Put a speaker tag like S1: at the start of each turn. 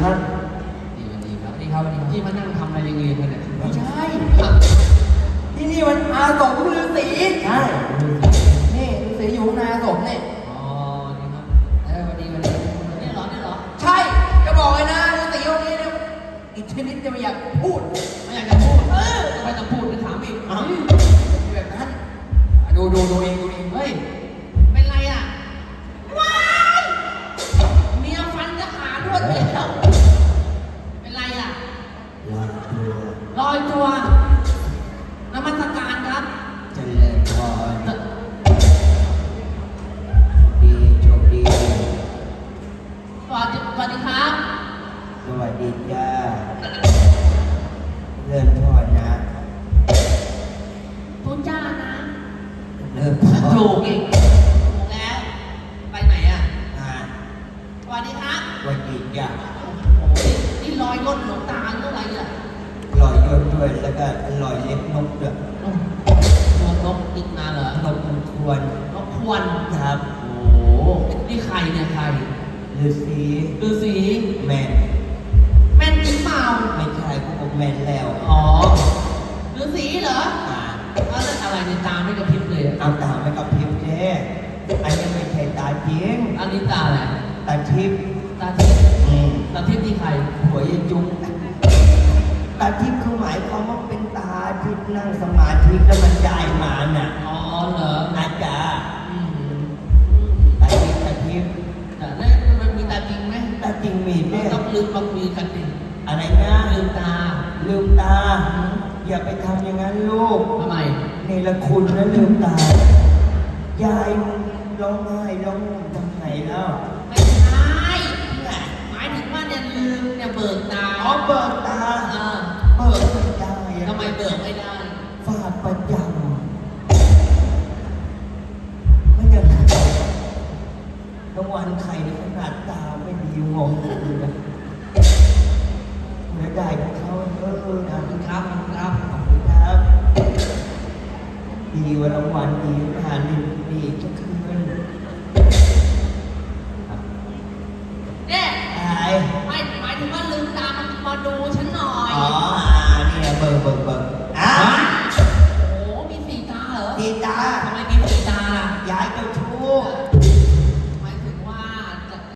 S1: ท่าน
S2: ดีครับนี่ครับที่มานั่งทำอะไรเรียนกันเนี่ย
S3: ไม่ใช่ ที่นี่มันอาสมฤาษี
S1: ใช่
S3: นี่ฤาษีอยู่ในอาสมนี่
S2: อ๋อนี่ครับวันนี้นี่เหรอ
S3: ใช่ จะบอกเลยนะฤาษีองค์นี้เนี่ยอีกชนิดจะไม่อยากพูด
S2: ไม่อยากจะพูดไม่ต้องพูดจะถามอีก
S3: แบบนั้นดูเอง
S2: เฮ้ยเป็นไรอ่ะว้ายเมียฟันจะขาดด้วยแล้วเป็นไรอ่ะลอยตัวนมัสการครับ
S1: เจริญพรดีโชคดี
S2: สวัสดีครับ
S1: สวัสดีจ้าเริ่มพรนะ
S2: ทุจ้านะ
S1: เริ่มพร
S2: ถูกอีกถูกแล้ว ไปไหนอ่ะ
S1: อ่า
S2: สวัสดีครับ
S1: สวัสดีจ้า
S2: โอ้ยนี่ลอยก้นหลวงตาเท่าไหร่อ่ะ
S1: ลอยยศด้วยแล้วก็ลอยเล็บนกด้วย
S2: นกอีกมาเหรอน
S1: กมันควร
S2: นกควร
S1: ครับ
S2: โอ้นี่ใครเนี่ยใคร
S1: ฤาษี
S2: ฤาษี
S1: แมน
S2: แม่นจริงเปล่า
S1: ไม่ใช่พวกผมแมนแล้ว
S2: อ๋อฤาษีเหรอ
S1: อ่า
S2: แล้วอะไรในตาไม่กระพริบเลยอะ
S1: เอาตาไม่กับพริบแท้อันนี้ไม่ใช่ตาจริง
S2: อันนี้ตาอะไร
S1: ตาทิพย์
S2: ตาทิพย์ ตาทิพย์ที่ใคร
S1: หัวยายจุงตาทิพย์คือหมายความว่าเป็นตาที่นั่งสมาธิแล้วมันได้มาน่ะ
S2: อ๋อเหรอ
S1: อาจารย์
S2: อืม
S1: ตาทิพย์ตาทิพย์
S2: แต่แล้วมันมีตาจริงไหม
S1: ตาจริงมีเนี่ย
S2: ต้องลืมมาคุยกันดิ
S1: อะไรนะ
S2: ลืมตา
S1: ลืมตา อย่าไปทำอย่างนั้นลูก
S2: ทำไม
S1: เนรคุณนะลืมตายายร้องไห้ร้องทำไงแล้ว
S2: ไม่ใช่หมายถึงว่าเนี่ยลืมเนี่ยเบิกตา
S1: อ๋อเบิกตา
S2: เออ
S1: เบิกไม่ได้อะ
S2: ทำไมเบิกไม่ได้
S1: ฝากประจำมันยังรางวัลใครในขนาดตาไม่ดีงงเลยนะเมื่อได้ของเขา
S2: ขอบคุณครับขอบคุณครับ
S1: ขอบคุณครับ ดีว่ารางวัลดีงานดีดีก็คือ